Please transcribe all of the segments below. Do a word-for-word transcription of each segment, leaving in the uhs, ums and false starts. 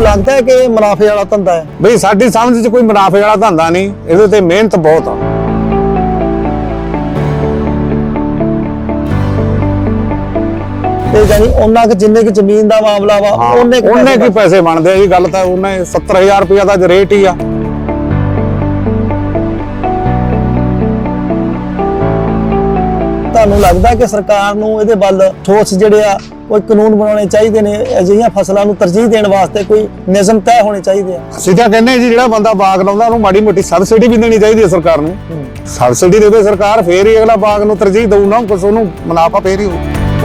लगता है कि मुनाफे वाला धंधा है? ਬਈ ਸਾਡੀ ਸਮਝ 'ਚ ਕੋਈ ਮੁਨਾਫੇ ਵਾਲਾ ਧੰਦਾ ਨਹੀਂ, ਇਹਦੇ ਤੇ ਮਿਹਨਤ ਬਹੁਤ ਆ। ਤੇ ਜਾਨੀ ਉਹਨਾਂ ਕਿ ਜਿੰਨੇ ਕਿ ਜ਼ਮੀਨ ਦਾ ਮਾਮਲਾ ਵਾ ਉਹਨੇ ਉਹਨੇ ਕੀ ਪੈਸੇ ਬਣਦੇ ਆ ਜੀ। ਗੱਲ ਤਾਂ ਉਹਨੇ ਸੱਤਰ ਹਜ਼ਾਰ ਰੁਪਇਆ ਦਾ ਰੇਟ ਹੀ ਆ। ਤੁਹਾਨੂੰ ਲੱਗਦਾ ਕਿ ਸਰਕਾਰ ਨੂੰ ਇਹਦੇ ਵੱਲ ਠੋਸ ਜਿਹੜੇ ਆ ਕੋਈ ਕਾਨੂੰਨ ਬਣਾਉਣੇ ਚਾਹੀਦੇ ਨੇ, ਅਜਿਹੀਆਂ ਫਸਲਾਂ ਨੂੰ ਤਰਜੀਹ ਦੇਣ ਵਾਸਤੇ ਕੋਈ ਨਿਯਮ ਤੈਅ ਹੋਣੇ ਚਾਹੀਦੇ ਆ? ਅਸੀਂ ਤਾਂ ਕਹਿੰਦੇ ਜੀ ਜਿਹੜਾ ਬੰਦਾ ਬਾਗ ਲਾਉਂਦਾ ਉਹਨੂੰ ਮਾੜੀ ਮੋਟੀ ਸਬਸਿਡੀ ਵੀ ਦੇਣੀ ਚਾਹੀਦੀ ਹੈ ਸਰਕਾਰ ਨੂੰ। ਸਬਸਿਡੀ ਦੇਵੇ ਸਰਕਾਰ, ਫੇਰ ਹੀ ਅਗਲਾ ਬਾਗ ਨੂੰ ਤਰਜੀਹ ਦਊ ਨਾ, ਕੁਛ ਉਹਨੂੰ ਮੁਨਾਫਾ ਫੇਰ ਹੀ ਹੋਊ।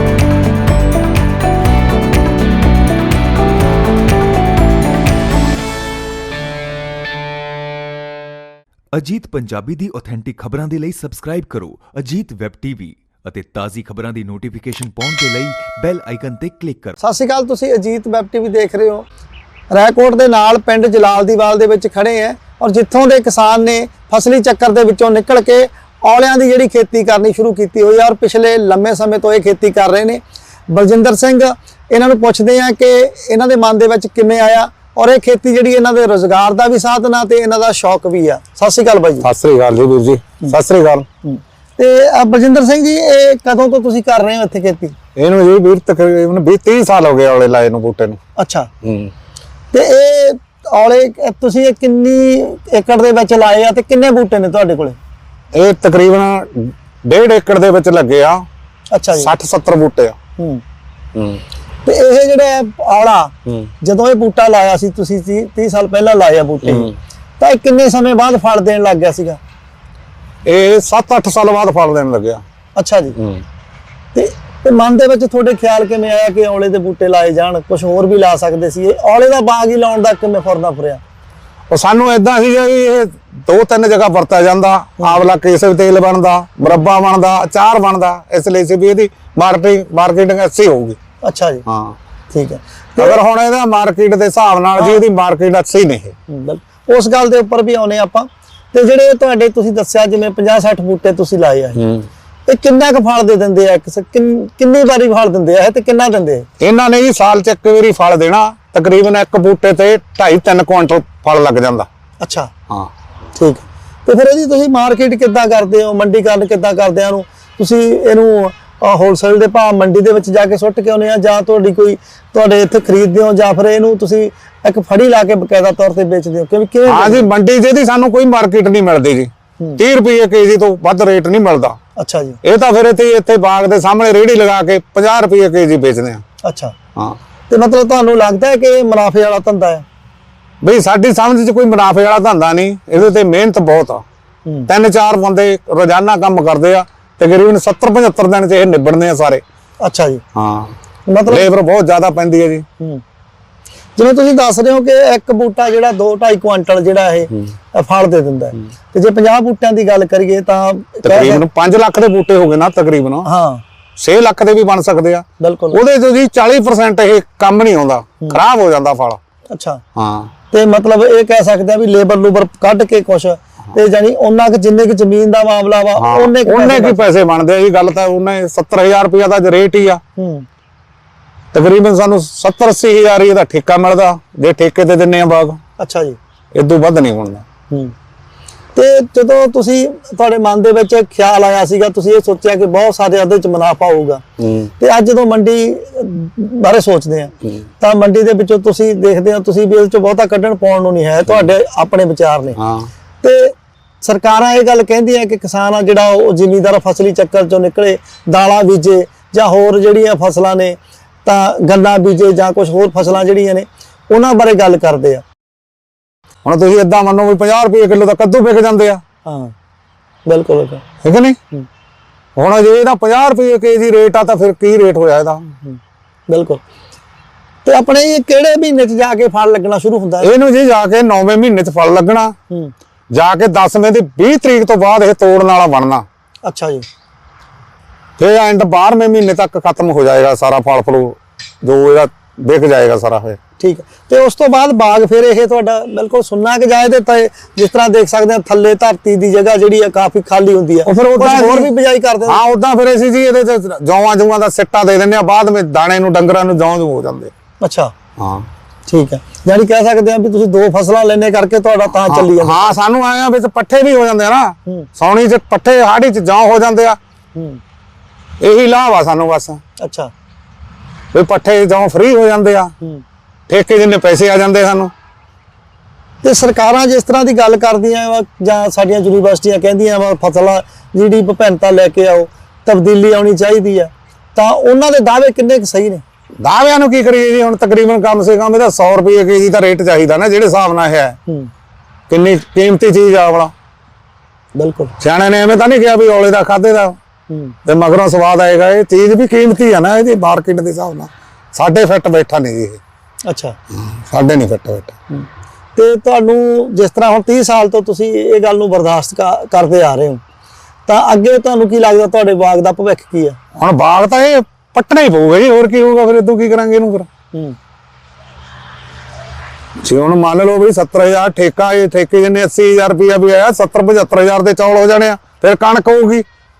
ਅਜੀਤ ਪੰਜਾਬੀ ਦੀ ਆਥੈਂਟਿਕ ਖਬਰਾਂ ਦੇ ਲਈ ਸਬਸਕ੍ਰਾਈਬ ਕਰੋ ਅਜੀਤ ਵੈਬ ਟੀਵੀ ਅਤੇ ਤਾਜ਼ੀ ਖਬਰਾਂ ਦੀ ਨੋਟੀਫਿਕੇਸ਼ਨ ਪਾਉਣ ਦੇ ਲਈ ਬੈਲ ਆਈਕਨ ਤੇ ਕਲਿੱਕ ਕਰੋ। ਸਤਿ ਸ਼੍ਰੀ ਅਕਾਲ, ਤੁਸੀਂ ਅਜੀਤ ਵੈਬ ਟੀਵੀ ਦੇਖ ਰਹੇ ਹੋ। ਰਾਏਕੋਟ ਦੇ ਨਾਲ ਪਿੰਡ ਜਲਾਲਦੀਵਾਲ ਦੇ ਵਿੱਚ ਖੜੇ ਆ ਔਰ ਜਿੱਥੋਂ ਦੇ ਕਿਸਾਨ ਨੇ ਫਸਲੀ ਚੱਕਰ ਦੇ ਵਿੱਚੋਂ ਨਿਕਲ ਕੇ ਔਲਿਆਂ ਦੀ ਜਿਹੜੀ ਖੇਤੀ ਕਰਨੀ ਸ਼ੁਰੂ ਕੀਤੀ ਹੋਈ ਆ ਔਰ ਪਿਛਲੇ ਲੰਮੇ ਸਮੇਂ ਤੋਂ ਇਹ ਖੇਤੀ ਕਰ ਰਹੇ ਨੇ। ਬਲਜਿੰਦਰ ਸਿੰਘ, ਇਹਨਾਂ ਨੂੰ ਪੁੱਛਦੇ ਆ ਕਿ ਇਹਨਾਂ ਦੇ ਮਨ ਦੇ ਵਿੱਚ ਕਿਵੇਂ ਆਇਆ ਔਰ ਇਹ ਖੇਤੀ ਜਿਹੜੀ ਇਹਨਾਂ ਦੇ ਰੋਜ਼ਗਾਰ ਦਾ ਵੀ ਸਾਧਨ ਆ ਤੇ ਇਹਨਾਂ ਦਾ ਸ਼ੌਕ ਵੀ ਆ। ਸਤਿ ਸ਼੍ਰੀ ਅਕਾਲ ਬਾਈ ਜੀ। ਸਤਿ ਸ੍ਰੀ ਅਕਾਲ ਜੀ ਵੀਰ ਜੀ। ਸਤਿ ਸ੍ਰੀ ਅਕਾਲ। ਤੇ ਬਲਜਿੰਦਰ ਸਿੰਘ ਜੀ, ਇਹ ਕਦੋਂ ਤੋਂ ਤੁਸੀਂ ਕਰ ਰਹੇ ਹੋ ਇੱਥੇ ਖੇਤੀ? ਇਹਨੂੰ ਜੀ ਵੀਰ ਤਕਰੀਬਨ ਵੀਹ ਤੀਹ ਸਾਲ ਹੋ ਗਏ ਔਲੇ ਲਾਏ ਨੂੰ, ਬੂਟੇ ਨੂੰ। ਅੱਛਾ। ਹੂੰ। ਤੇ ਇਹ ਔਲੇ ਤੁਸੀਂ ਇਹ ਕਿੰਨੀ ਏਕੜ ਦੇ ਵਿੱਚ ਲਾਏ ਆ ਤੇ ਕਿੰਨੇ ਬੂਟੇ ਨੇ ਤੁਹਾਡੇ ਕੋਲੇ? ਇਹ ਤਕਰੀਬਨ ਡੇਢ ਏਕੜ ਦੇ ਵਿੱਚ ਲੱਗੇ ਆ। ਅੱਛਾ ਜੀ। ਸੱਠ ਸੱਤਰ ਬੂਟੇ ਆ। ਹੂੰ ਹੂੰ। ਤੇ ਇਹ ਜਿਹੜਾ ਔਲਾ ਜਦੋਂ ਇਹ ਬੂਟਾ ਲਾਇਆ ਸੀ ਤੁਸੀਂ ਤੀਹ ਸਾਲ ਪਹਿਲਾਂ ਲਾਇਆ ਬੂਟੇ, ਤਾਂ ਇਹ ਕਿੰਨੇ ਸਮੇਂ ਬਾਅਦ ਫਲ ਦੇਣ ਲੱਗ ਗਿਆ ਸੀਗਾ? ਇਹ ਸੱਤ ਅੱਠ ਸਾਲ ਬਾਅਦ ਫਲ ਦੇਣ ਲੱਗਿਆ। ਅੱਛਾ ਜੀ। ਹੂੰ। ਤੇ ਤੇ ਮਨ ਦੇ ਵਿੱਚ ਤੁਹਾਡੇ ਖਿਆਲ ਕਿਵੇਂ ਆਇਆ ਕਿ ਔਲੇ ਦੇ ਬੂਟੇ ਲਾਏ ਜਾਣ, ਕੁਝ ਹੋਰ ਵੀ ਲਾ ਸਕਦੇ ਸੀ? ਇਹ ਔਲੇ ਦਾ ਬਾਗ ਹੀ ਲਾਉਣ ਦਾ ਕਿਵੇਂ ਫੁਰਨਾ ਫੁਰਿਆ? ਉਹ ਸਾਨੂੰ ਏਦਾਂ ਸੀਗਾ ਵੀ ਇਹ ਦੋ ਤਿੰਨ ਜਗ੍ਹਾ ਵਰਤਿਆ ਜਾਂਦਾ। ਆਵਲਾ ਕੇਸਰ ਤੇਲ ਬਣਦਾ, ਮੁਰੱਬਾ ਬਣਦਾ, ਅਚਾਰ ਬਣਦਾ, ਇਸ ਲਈ ਸੀ ਵੀ ਇਹਦੀ ਮਾਰਕੀਟਿੰਗ ਮਾਰਕੀਟਿੰਗ ਅੱਛੀ ਹੋਊਗੀ। ਅੱਛਾ ਜੀ। ਹਾਂ ਠੀਕ ਹੈ। ਅਗਰ ਹੁਣ ਇਹਦਾ ਮਾਰਕੀਟ ਦੇ ਹਿਸਾਬ ਨਾਲ ਜੀ ਇਹਦੀ ਮਾਰਕੀਟ ਅੱਛੀ ਨਹੀਂ। ਉਸ ਗੱਲ ਦੇ ਉੱਪਰ ਵੀ ਆਉਨੇ ਆਪਾਂ। ਤੇ ਜਿਹੜੇ ਤੁਹਾਡੇ ਤੁਸੀਂ ਦੱਸਿਆ ਜਿਵੇਂ ਪੰਜਾਹ ਸੱਠ ਬੂਟੇ ਤੁਸੀਂ ਲਾਏ ਆ, ਇਹ ਕਿੰਨਾ ਕੁ ਫਲ ਦੇ ਦਿੰਦੇ ਆ? ਕਿੰਨੀ ਵਾਰੀ ਫਲ ਦਿੰਦੇ ਆ ਤੇ ਕਿੰਨਾ ਦਿੰਦੇ ਆ? ਇਹਨਾਂ ਨੇ ਜੀ ਸਾਲ ਚ ਇੱਕ ਵਾਰੀ ਫਲ ਦੇਣਾ। ਤਕਰੀਬਨ ਇੱਕ ਬੂਟੇ ਤੇ ਢਾਈ ਤਿੰਨ ਕੁਇੰਟਲ ਫਲ ਲੱਗ ਜਾਂਦਾ। ਅੱਛਾ। ਹਾਂ ਠੀਕ। ਤੇ ਫਿਰ ਇਹਦੀ ਤੁਸੀਂ ਮਾਰਕੀਟ ਕਿੱਦਾਂ ਕਰਦੇ ਹੋ, ਮੰਡੀਕਰਨ ਕਿੱਦਾਂ ਕਰਦੇ ਹੋ? ਤੁਸੀਂ ਇਹਨੂੰ ਹੋਲਸੇਲ ਦੇ ਭਾਅ ਮੰਡੀ ਦੇ ਵਿੱਚ ਜਾ ਕੇ ਸੁੱਟ ਕੇ ਆਉਂਦੇ ਆ ਜਾਂ ਤੁਹਾਡੀ ਕੋਈ ਤੁਹਾਡੇ ਇੱਥੇ ਖਰੀਦਦੇ ਹੋ ਜਾਂ ਫਿਰ ਇਹਨੂੰ ਤੁਸੀਂ ਇੱਕ ਫੜੀ ਲਾ ਕੇ ਬਕਾਇਦਾ ਤੌਰ ਤੇ ਵੇਚਦੇ ਹੋ? ਕਿਵੇਂ ਕਿਵੇਂ? ਹਾਂ ਜੀ, ਮੰਡੀ 'ਚ ਇਹਦੀ ਸਾਨੂੰ ਕੋਈ ਮਾਰਕੀਟ ਨਹੀਂ ਮਿਲਦੀ ਜੀ। ਤੀਹ ਰੁਪਏ ਕੇਜੀ ਤੋਂ ਵੱਧ ਰੇਟ ਨਹੀਂ ਮਿਲਦਾ। ਅੱਛਾ ਜੀ। ਇਹ ਤਾਂ ਫਿਰ ਇੱਥੇ ਇੱਥੇ ਬਾਗ ਦੇ ਸਾਹਮਣੇ ਰੇਹੜੀ ਲਗਾ ਕੇ ਪੰਜਾਹ ਰੁਪਏ ਕੇਜੀ ਵੇਚਦੇ ਆ। ਅੱਛਾ। ਹਾਂ। ਤੇ ਮਤਲਬ ਤੁਹਾਨੂੰ ਲੱਗਦਾ ਹੈ ਕਿ ਇਹ ਮੁਨਾਫੇ ਵਾਲਾ ਧੰਦਾ ਹੈ? ਬਈ ਸਾਡੀ ਸਮਝ 'ਚ ਕੋਈ ਮੁਨਾਫੇ ਵਾਲਾ ਧੰਦਾ ਨਹੀਂ, ਇਹਦੇ ਤੇ ਮਿਹਨਤ ਬਹੁਤ ਆ। ਤਿੰਨ ਚਾਰ ਬੰਦੇ ਰੋਜ਼ਾਨਾ ਕੰਮ ਕਰਦੇ ਆ, ਤਕਰੀਬਨ ਸੱਤਰ ਪਝੱਤਰ ਦਿਨ 'ਚ ਇਹ ਨਿਬੜਨੇ ਆ ਸਾਰੇ। ਅੱਛਾ ਜੀ। ਹਾਂ। ਮਤਲਬ ਲੇਬਰ ਬਹੁਤ ਜ਼ਿਆਦਾ ਪੈਂਦੀ ਹੈ ਜੀ। ਜਿਵੇਂ ਤੁਸੀਂ ਦੱਸ ਰਹੇ ਹੋ ਕਿ ਇੱਕ ਬੂਟਾ ਜਿਹੜਾ ਦੋ ਢਾਈ ਕੁਇੰਟਲ ਜਿਹੜਾ ਇਹ ਫਲ ਦੇ ਦਿੰਦਾ ਹੈ, ਤੇ ਜੇ ਪੰਜਾਹ ਬੂਟਿਆਂ ਦੀ ਗੱਲ ਕਰੀਏ ਤਾਂ ਤਕਰੀਬਨ ਪੰਜ ਲੱਖ ਦੇ ਬੂਟੇ ਹੋ ਗਏ ਨਾ ਤਕਰੀਬਨ। ਹਾਂ। ਛੇ ਲੱਖ ਦੇ ਵੀ ਬਣ ਸਕਦੇ ਆ। ਬਿਲਕੁਲ। ਉਹਦੇ ਚੋਂ ਜੀ ਚਾਲੀ ਪਰਸੈਂਟ ਇਹ ਕੰਮ ਨਹੀਂ ਆਉਂਦਾ, ਖਰਾਬ ਹੋ ਜਾਂਦਾ ਫਲ। ਅੱਛਾ। ਹਾਂ। ਤੇ ਮਤਲਬ ਇਹ ਕਹਿ ਸਕਦੇ ਆ ਵੀ ਲੇਬਰ ਲੂਬਰ ਕੱਢ ਕੇ ਕੁਛ ਤੇ ਜਾਨੀ ਉਹਨਾਂ ਕਿ ਜਿੰਨੇ ਕਿ ਜ਼ਮੀਨ ਦਾ ਮਾਮਲਾ ਵਾ ਉਹਨੇ ਉਹਨੇ ਕੀ ਪੈਸੇ ਬਣਦੇ ਆ ਜੀ। ਗੱਲ ਤਾਂ ਉਹਨੇ ਸੱਤਰ ਹਜ਼ਾਰ ਰੁਪਇਆ ਦਾ ਰੇਟ ਹੀ ਆ। ਹੂੰ। ਤਕਰੀਬਨ ਸਾਨੂੰ ਸੱਤਰ ਅੱਸੀ ਹਜ਼ਾਰ ਹੀ ਇਹਦਾ ਠੇਕਾ ਮਿਲਦਾ ਜੇ ਠੇਕੇ ਤੇ ਦਿੰਨੇ ਆ ਬਾਗ। ਅੱਛਾ ਜੀ। ਇਦੋਂ ਵੱਧ ਨਹੀਂ ਬਣਦਾ। ਹੂੰ। ਤੇ ਜਦੋਂ ਤੁਸੀਂ ਤੁਹਾਡੇ ਮਨ ਦੇ ਵਿੱਚ ਖਿਆਲ ਆਇਆ ਸੀਗਾ, ਤੁਸੀਂ ਇਹ ਸੋਚਿਆ ਕਿ ਬਹੁਤ ਸਾਰੇ ਇਹਦੇ ਵਿੱਚ ਮੁਨਾਫਾ ਹੋਊਗਾ, ਤੇ ਅੱਜ ਜਦੋਂ ਮੰਡੀ ਬਾਰੇ ਸੋਚਦੇ ਆ ਤਾਂ ਮੰਡੀ ਦੇ ਵਿੱਚੋਂ ਤੁਸੀਂ ਦੇਖਦੇ ਹੋ ਤੁਸੀਂ ਵੀ ਇਹਦੇ ਚ ਬਹੁਤਾ ਕੱਢਣ ਪਾਉਣ ਨੂੰ ਨਹੀਂ ਹੈ, ਤੁਹਾਡੇ ਆਪਣੇ ਵਿਚਾਰ ਨੇ। ਹਾਂ। ਤੇ ਸਰਕਾਰਾਂ ਇਹ ਗੱਲ ਕਹਿੰਦੀਆਂ ਕਿ ਕਿਸਾਨ ਆ ਜਿਹੜਾ ਉਹ ਜ਼ਿਮੀਂਦਾਰ ਫਸਲੀ ਚੱਕਰ ਚੋਂ ਨਿਕਲੇ, ਦਾਲਾਂ ਬੀਜੇ ਜਾਂ ਹੋਰ ਜਿਹੜੀਆਂ ਫਸਲਾਂ ਨੇ ਤਾਂ ਗੰਨਾ ਬੀਜੇ ਜਾਂ ਕੁਝ ਹੋਰ ਫਸਲਾਂ ਜਿਹੜੀਆਂ ਨੇ ਉਹਨਾਂ ਬਾਰੇ ਗੱਲ ਕਰਦੇ ਆ। ਹੁਣ ਤੁਸੀਂ ਏਦਾਂ ਮੰਨੋ ਵੀ ਪੰਜਾਹ ਰੁਪਏ ਕਿਲੋ ਦਾ ਕੱਦੂ ਵਿਕ ਜਾਂਦੇ ਆ। ਹਾਂ ਬਿਲਕੁਲ, ਠੀਕ ਨਹੀਂ? ਹੁਣ ਜੇ ਇਹਦਾ ਪੰਜਾਹ ਰੁਪਏ ਕੇਜੀ ਰੇਟ ਆ ਤਾਂ ਫਿਰ ਕੀ ਰੇਟ ਹੋਇਆ ਇਹਦਾ? ਬਿਲਕੁਲ। ਤੇ ਆਪਣੇ ਇਹ ਕਿਹੜੇ ਮਹੀਨੇ 'ਚ ਜਾ ਕੇ ਫਲ ਲੱਗਣਾ ਸ਼ੁਰੂ ਹੁੰਦਾ ਹੈ? ਇਹਨੂੰ ਜੀ ਜਾ ਕੇ ਨੌਵੇਂ ਮਹੀਨੇ 'ਚ ਫਲ ਲੱਗਣਾ, ਜਾ ਕੇ ਦਸਵੇਂ ਦੀ ਵੀਹ ਤਰੀਕ ਤੋਂ ਬਾਅਦ ਇਹ ਤੋੜਨ ਵਾਲਾ ਬਣਨਾ। ਅੱਛਾ ਜੀ। ਫਿਰ ਐਂਡ ਬਾਰਵੇਂ ਮਹੀਨੇ ਤੱਕ ਖਤਮ ਹੋ ਜਾਏਗਾ ਸਾਰਾ ਫਲ ਫਲੂ ਜੋ ਇਹਦਾ ਵਿਕ ਜਾਏਗਾ ਸਾਰਾ। ਫਿਰ ਠੀਕ ਹੈ। ਤੇ ਉਸ ਤੋਂ ਬਾਅਦ ਬਾਗ ਫਿਰ ਇਹ ਤੁਹਾਡਾ ਬਿਲਕੁਲ ਸੁੰਨਾ ਕਿ ਜਾਏ ਤੇ ਜਿਸ ਤਰ੍ਹਾਂ ਦੇਖ ਸਕਦੇ ਆ ਥੱਲੇ ਧਰਤੀ ਦੀ ਜਗ੍ਹਾ ਜਿਹੜੀ ਆ ਕਾਫੀ ਖਾਲੀ ਹੁੰਦੀ ਆ, ਫਿਰ ਉਦਾਂ ਹੋਰ ਵੀ ਬਿਜਾਈ ਕਰਦੇ? ਹਾਂ, ਉਦਾਂ ਫਿਰ ਅਸੀਂ ਜੀ ਇਹਦੇ ਚ ਜੌਆਂ ਜੂਆਂ ਦਾ ਸਿੱਟਾ ਦੇ ਦਿੰਦੇ ਆ, ਬਾਅਦ ਵਿੱਚ ਦਾਣੇ ਨੂੰ ਡੰਗਰਾਂ ਨੂੰ ਜੌਂ ਜੂ ਹੋ ਜਾਂਦੇ। ਅੱਛਾ। ਹਾਂ। ਠੀਕ ਹੈ, ਯਾਨੀ ਕਹਿ ਸਕਦੇ ਆ ਵੀ ਤੁਸੀਂ ਦੋ ਫਸਲਾਂ ਲੈਣੇ ਕਰਕੇ ਤੁਹਾਡਾ ਤਾਂ ਚੱਲੀ ਜਾਂਦਾ। ਹਾਂ ਸਾਨੂੰ ਆਏ ਆ ਵਿੱਚ ਪੱਠੇ ਵੀ ਹੋ ਜਾਂਦੇ ਆ ਨਾ, ਹੂੰ ਸੌਣੀ ਚ ਪੱਠੇ ਹਾੜੀ ਚ ਜੌਂ ਹੋ ਜਾਂਦੇ ਆ, ਹੂੰ ਇਹੀ ਲਾਭ ਆ ਸਾਨੂੰ ਬਸ ਅੱਛਾ ਵੀ ਪੱਠੇ ਜੌਂ ਫ੍ਰੀ ਹੋ ਜਾਂਦੇ ਆ, ਹੂੰ ਠੇਕੇ ਜਿੰਨੇ ਪੈਸੇ ਆ ਜਾਂਦੇ ਸਾਨੂੰ। ਤੇ ਸਰਕਾਰਾਂ ਜਿਸ ਤਰ੍ਹਾਂ ਦੀ ਗੱਲ ਕਰਦੀਆਂ ਵਾ ਜਾਂ ਸਾਡੀਆਂ ਯੂਨੀਵਰਸਿਟੀਆਂ ਕਹਿੰਦੀਆਂ ਵਾ ਫਸਲਾਂ ਜਿਹੜੀ ਵਿਭਿੰਨਤਾ ਲੈ ਕੇ ਆਓ, ਤਬਦੀਲੀ ਆਉਣੀ ਚਾਹੀਦੀ ਆ, ਤਾਂ ਉਹਨਾਂ ਦੇ ਦਾਅਵੇ ਕਿੰਨੇ ਕੁ ਸਹੀ ਨੇ? ਦਾਅਵਿਆਂ ਨੂੰ ਕੀ ਕਰੀਏ ਜੀ, ਹੁਣ ਤਕਰੀਬਨ ਕਮ ਸੇ ਕਮ ਇਹਦਾ ਸੌ ਰੁਪਏ ਕੇਜੀ ਦਾ ਰੇਟ ਚਾਹੀਦਾ ਨਾ, ਜਿਹੜੇ ਹਿਸਾਬ ਨਾਲ ਇਹ ਹੈ ਹੂੰ ਕਿੰਨੀ ਕੀਮਤੀ ਚੀਜ਼ ਆ ਵਾਲਾ। ਬਿਲਕੁਲ ਸਿਆਣੇ ਨੇ ਐਵੇਂ ਤਾਂ ਨਹੀਂ ਕਿਹਾ ਵੀ ਔਲੇ ਦਾ ਖਾਦੇ ਦਾ ਹੂੰ ਤੇ ਮਗਰੋਂ ਸਵਾਦ ਆਏਗਾ, ਇਹ ਚੀਜ਼ ਵੀ ਕੀਮਤੀ ਆ ਨਾ, ਇਹਦੀ ਮਾਰਕੀਟ ਦੇ ਹਿਸਾਬ ਨਾਲ ਸਾਡੇ ਫਿੱਟ ਬੈਠਾ ਨਹੀਂ ਜੀ ਇਹ, ਅੱਛਾ ਸਾਡੇ ਨਹੀਂ ਫਿੱਟ ਬੈਠਾ। ਹੂੰ ਤੇ ਤੁਹਾਨੂੰ ਜਿਸ ਤਰ੍ਹਾਂ ਹੁਣ ਤੀਹ ਸਾਲ ਤੋਂ ਤੁਸੀਂ ਇਹ ਗੱਲ ਨੂੰ ਬਰਦਾਸ਼ਤ ਕ- ਕਰਦੇ ਆ ਰਹੇ ਹੋ, ਤਾਂ ਅੱਗੇ ਤੁਹਾਨੂੰ ਕੀ ਲੱਗਦਾ ਤੁਹਾਡੇ ਬਾਗ ਦਾ ਭਵਿੱਖ ਕੀ ਹੈ? ਹੁਣ ਬਾਗ ਤਾਂ ਇਹ ਪੱਟਣਾ ਹੀ ਪਊਗਾ ਜੀ, ਹੋਰ ਕੀ ਹੋਊਗਾ ਫਿਰ, ਇਦੋਂ ਕੀ ਕਰਾਂਗੇ ਇਹਨੂੰ ਫਿਰ। ਹੂੰ ਜੇ ਹੁਣ ਮੰਨ ਲਓ ਵੀ ਸੱਤਰ ਹਜ਼ਾਰ ਠੇਕਾ, ਇਹ ਠੇਕੇ ਜਿੰਨੇ ਅੱਸੀ ਹਜ਼ਾਰ ਰੁਪਇਆ ਵੀ ਆਇਆ, ਸੱਤਰ ਪਝੱਤਰ ਹਜ਼ਾਰ ਦੇ ਚੌਲ ਹੋ ਜਾਣੇ ਆ, ਫਿਰ ਕਣਕ ਹੋਊਗੀ।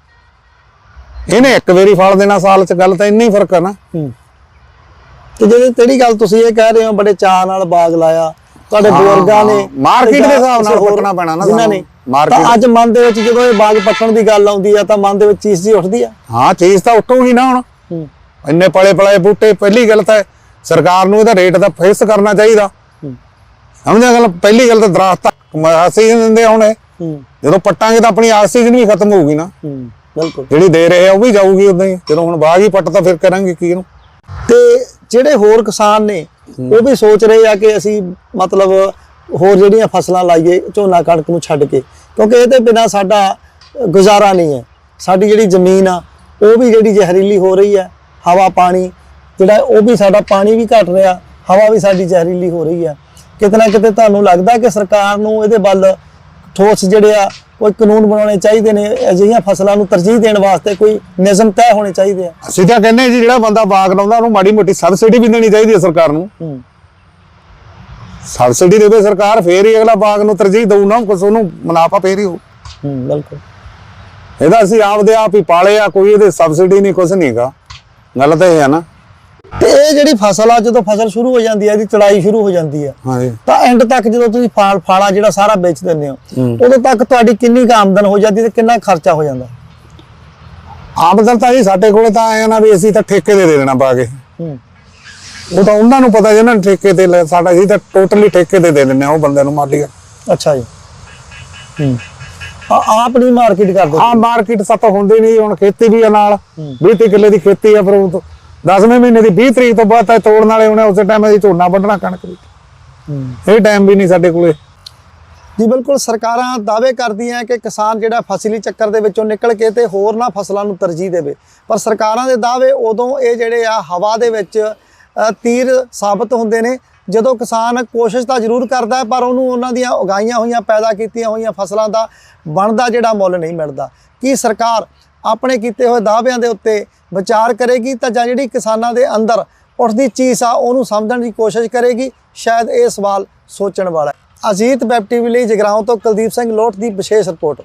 ਇਹਨੇ ਇੱਕ ਵਾਰੀ ਫਲ ਦੇਣਾ ਸਾਲ ਚ, ਗੱਲ ਤਾਂ ਇੰਨੀ ਫਰਕ ਆ ਨਾ। ਹੂੰ ਤੇ ਜਿਹੜੀ ਜਿਹੜੀ ਗੱਲ ਤੁਸੀਂ ਇਹ ਕਹਿ ਰਹੇ ਹੋ ਬੜੇ ਚਾਅ ਨਾਲ ਬਾਗ ਲਾਇਆ, ਤੁਹਾਡੇ ਬਜ਼ੁਰਗਾਂ ਨੇ ਮਾਰਕੀਟ ਦੇ ਜਾਂ ਹਿਸਾਬ ਨਾਲ ਕਿਸੇ ਹੋਰ ਪੱਟਣਾ ਪੈਣਾ ਨਾ ਜਿਨ੍ਹਾਂ ਸਾਨੂੰ। ਨੇ, ਮਾਰਕੀਟ ਤਾਂ ਅੱਜ ਮਨ ਦੇ ਵਿੱਚ ਜਦੋਂ ਇਹ ਬਾਗ ਪੱਟਣ ਦੀ ਗੱਲ ਆਉਂਦੀ ਆ ਤਾਂ ਮਨ ਦੇ ਵਿੱਚ ਚੀਜ਼ ਜੀ ਉੱਠਦੀ ਆ। ਹਾਂ ਚੀਜ਼ ਤਾਂ ਉੱਠੂਗੀ ਨਾ ਹੁਣ, ਹੂੰ ਇੰਨੇ ਪਲੇ ਪਲਾਏ ਬੂਟੇ। ਪਹਿਲੀ ਗੱਲ ਤਾਂ ਸਰਕਾਰ ਨੂੰ ਇਹਦਾ ਰੇਟ ਦਾ ਫਿਕਸ ਕਰਨਾ ਚਾਹੀਦਾ, ਹੂੰ ਸਮਝਿਆ ਗੱਲ। ਪਹਿਲੀ ਗੱਲ ਤਾਂ ਦਰਖਤ ਆਕਸੀਜਨ ਦਿੰਦੇ ਹੁਣ ਇਹ, ਹੂੰ ਜਦੋਂ ਪੱਟਾਂਗੇ ਤਾਂ ਆਪਣੀ ਆਕਸੀਜਨ ਵੀ ਖਤਮ ਹੋਊਗੀ ਨਾ, ਹੂੰ ਬਿਲਕੁਲ। ਜਿਹੜੀ ਦੇ ਰਹੇ ਆ ਉਹ ਵੀ ਜਾਊਗੀ ਉਦਾਂ ਹੀ। ਜਦੋਂ ਹੁਣ ਬਾਗ ਹੀ ਪੱਟ ਤਾਂ ਫਿਰ ਕਰਾਂਗੇ ਕੀ ਇਹਨੂੰ। ਤੇ ਜਿਹੜੇ ਹੋਰ ਕਿਸਾਨ ਨੇ ਉਹ ਵੀ ਸੋਚ ਰਹੇ ਆ ਕਿ ਅਸੀਂ ਮਤਲਬ ਹੋਰ ਜਿਹੜੀਆਂ ਫਸਲਾਂ ਲਾਈਏ ਝੋਨਾ ਕਣਕ ਨੂੰ ਛੱਡ ਕੇ, ਕਿਉਂਕਿ ਇਹਦੇ ਬਿਨਾ ਸਾਡਾ ਗੁਜ਼ਾਰਾ ਨਹੀਂ ਹੈ। ਸਾਡੀ ਜਿਹੜੀ ਜ਼ਮੀਨ ਆ ਉਹ ਵੀ ਜਿਹੜੀ ਜ਼ਹਿਰੀਲੀ ਹੋ ਰਹੀ ਹੈ, ਹਵਾ ਪਾਣੀ ਜਿਹੜਾ ਉਹ ਵੀ ਸਾਡਾ ਪਾਣੀ ਵੀ ਘਟ ਰਿਹਾ, ਹਵਾ ਵੀ ਸਾਡੀ ਜ਼ਹਿਰੀਲੀ ਹੋ ਰਹੀ ਹੈ। ਕਿਤੇ ਨਾ ਕਿਤੇ ਤੁਹਾਨੂੰ ਲੱਗਦਾ ਕਿ ਸਰਕਾਰ ਨੂੰ ਇਹਦੇ ਵੱਲ ਠੋਸ ਜਿਹੜੇ ਆ ਕੋਈ ਕਾਨੂੰਨ ਬਣਾਉਣੇ ਚਾਹੀਦੇ ਨੇ, ਅਜਿਹੀਆਂ ਫਸਲਾਂ ਨੂੰ ਤਰਜੀਹ ਦੇਣ ਵਾਸਤੇ ਕੋਈ ਨਿਯਮ ਤੈਅ ਹੋਣੇ ਚਾਹੀਦੇ ਆ? ਅਸੀਂ ਤਾਂ ਕਹਿੰਦੇ ਜੀ ਜਿਹੜਾ ਬੰਦਾ ਬਾਗ ਲਾਉਂਦਾ ਉਹਨੂੰ ਮਾੜੀ ਮੋਟੀ ਸਬਸਿਡੀ ਵੀ ਦੇਣੀ ਚਾਹੀਦੀ ਹੈ ਸਰਕਾਰ ਨੂੰ। ਹੂੰ ਸਬਸਿਡੀ ਦੇਵੇ ਸਰਕਾਰ, ਫੇਰ ਹੀ ਅਗਲਾ ਬਾਗ ਨੂੰ ਤਰਜੀਹ ਦਊ ਨਾ, ਕੁਛ ਉਹਨੂੰ ਮੁਨਾਫਾ ਫੇਰ ਹੀ ਹੋ। ਹੂੰ ਬਿਲਕੁਲ। ਇਹਦਾ ਅਸੀਂ ਆਪਦੇ ਆਪ ਹੀ ਪਾਲੇ ਆ, ਕੋਈ ਇਹਦੇ ਸਬਸਿਡੀ ਨਹੀਂ, ਕੁਛ ਨਹੀਂ ਹੈਗਾ। ਗੱਲ ਤਾਂ ਇਹ ਹੈ ਨਾ। ਤੇ ਇਹ ਜਿਹੜੀ ਫਸਲ ਆ ਜਦੋਂ ਫਸਲ ਸ਼ੁਰੂ ਹੋ ਜਾਂਦੀ ਹੈ, ਇਹਦੀ ਚੜਾਈ ਸ਼ੁਰੂ ਹੋ ਜਾਂਦੀ ਹੈ, ਹਾਂਜੀ ਤਾਂ ਐਂਡ ਤੱਕ ਜਦੋਂ ਤੁਸੀਂ ਫਾਲ ਫਾਲਾ ਜਿਹੜਾ ਸਾਰਾ ਵੇਚ ਦਿੰਦੇ ਹੋ, ਉਦੋਂ ਤੱਕ ਤੁਹਾਡੀ ਕਿੰਨੀ ਕੁ ਆਮਦਨ ਹੋ ਜਾਂਦੀ ਤੇ ਕਿੰਨਾ ਖਰਚਾ ਹੋ ਜਾਂਦਾ? ਆਮਦਨ ਤਾਂ ਜੀ ਸਾਡੇ ਕੋਲੇ ਤਾਂ ਆਇਆ ਨਾ ਵੀ ਅਸੀਂ ਤਾਂ ਠੇਕੇ ਦੇ ਦੇ ਦੇਣਾ ਪਾ ਕੇ। ਹੂੰ ਉਹ ਤਾਂ ਉਹਨਾਂ ਨੂੰ ਪਤਾ ਜਿਹਨਾਂ ਨੇ ਠੇਕੇ ਤੇ ਲੈ, ਸਾਡਾ ਜੀ ਤਾਂ ਟੋਟਲੀ ਠੇਕੇ ਤੇ ਦੇ ਦਿੰਦੇ ਆ ਉਹ ਬੰਦੇ ਨੂੰ, ਮਾਲੀਆ। ਅੱਛਾ ਜੀ। ਹੂੰ ਆ ਆਪ ਨਹੀਂ ਮਾਰਕੀਟ ਕਰਦੇ? ਹਾਂ ਮਾਰਕੀਟ ਸੱਤ ਹੁੰਦੀ ਨਹੀਂ, ਹੁਣ ਖੇਤੀ ਵੀ ਆ ਨਾਲ, ਵੀਹ ਤੀਹ ਕਿੱਲੇ ਦੀ ਖੇਤੀ ਆ, ਫਿਰ ਉਹ ਦਸਵੇਂ ਮਹੀਨੇ ਦੀ ਵੀਹ ਤਰੀਕ ਤੋਂ ਬਾਅਦ ਤਾਂ ਤੋੜਨ ਵਾਲੇ ਹੋਣੇ, ਉਸੇ ਟਾਈਮ ਅਸੀਂ ਝੋਨਾ ਵੱਢਣਾ ਕਣਕ ਦੀ। ਇਹ ਟਾਈਮ ਵੀ ਨਹੀਂ ਸਾਡੇ ਕੋਲੇ ਜੀ। ਬਿਲਕੁਲ, ਸਰਕਾਰਾਂ ਦਾਅਵੇ ਕਰਦੀਆਂ ਕਿ ਕਿਸਾਨ ਜਿਹੜਾ ਫਸਲੀ ਚੱਕਰ ਦੇ ਵਿੱਚੋਂ ਨਿਕਲ ਕੇ ਤੇ ਹੋਰ ਨਾ ਫਸਲਾਂ ਨੂੰ ਤਰਜੀਹ ਦੇਵੇ, ਪਰ ਸਰਕਾਰਾਂ ਦੇ ਦਾਅਵੇ ਉਦੋਂ ਇਹ ਜਿਹੜੇ ਆ ਹਵਾ ਦੇ ਵਿੱਚ ਅ, ਤੀਰ ਸਾਬਤ ਹੁੰਦੇ ਨੇ ਜਦੋਂ ਕਿਸਾਨ ਕੋਸ਼ਿਸ਼ ਤਾਂ ਜ਼ਰੂਰ ਕਰਦਾ ਹੈ, ਪਰ ਉਹਨੂੰ ਉਹਨਾਂ ਦੀਆਂ ਉਗਾਈਆਂ ਹੋਈਆਂ ਪੈਦਾ ਕੀਤੀਆਂ ਹੋਈਆਂ ਫਸਲਾਂ ਦਾ ਬਣਦਾ ਜਿਹੜਾ ਮੁੱਲ ਨਹੀਂ ਮਿਲਦਾ। ਕੀ ਸਰਕਾਰ ਆਪਣੇ ਕੀਤੇ ਹੋਏ ਦਾਅਵਿਆਂ ਦੇ ਉੱਤੇ ਵਿਚਾਰ ਕਰੇਗੀ ਤਾਂ ਜਾਂ ਜਿਹੜੀ ਕਿਸਾਨਾਂ ਦੇ ਅੰਦਰ ਉੱਠਦੀ ਚੀਜ਼ ਆ ਉਹਨੂੰ ਸਮਝਣ ਦੀ ਕੋਸ਼ਿਸ਼ ਕਰੇਗੀ? ਸ਼ਾਇਦ ਇਹ ਸਵਾਲ ਸੋਚਣ ਵਾਲਾ ਹੈ। ਅਜੀਤ ਵੈਬ ਟੀਵੀ ਲਈ ਜਗਰਾਉਂ ਤੋਂ ਕੁਲਦੀਪ ਸਿੰਘ ਲੋਟ ਦੀ ਵਿਸ਼ੇਸ਼ ਰਿਪੋਰਟ।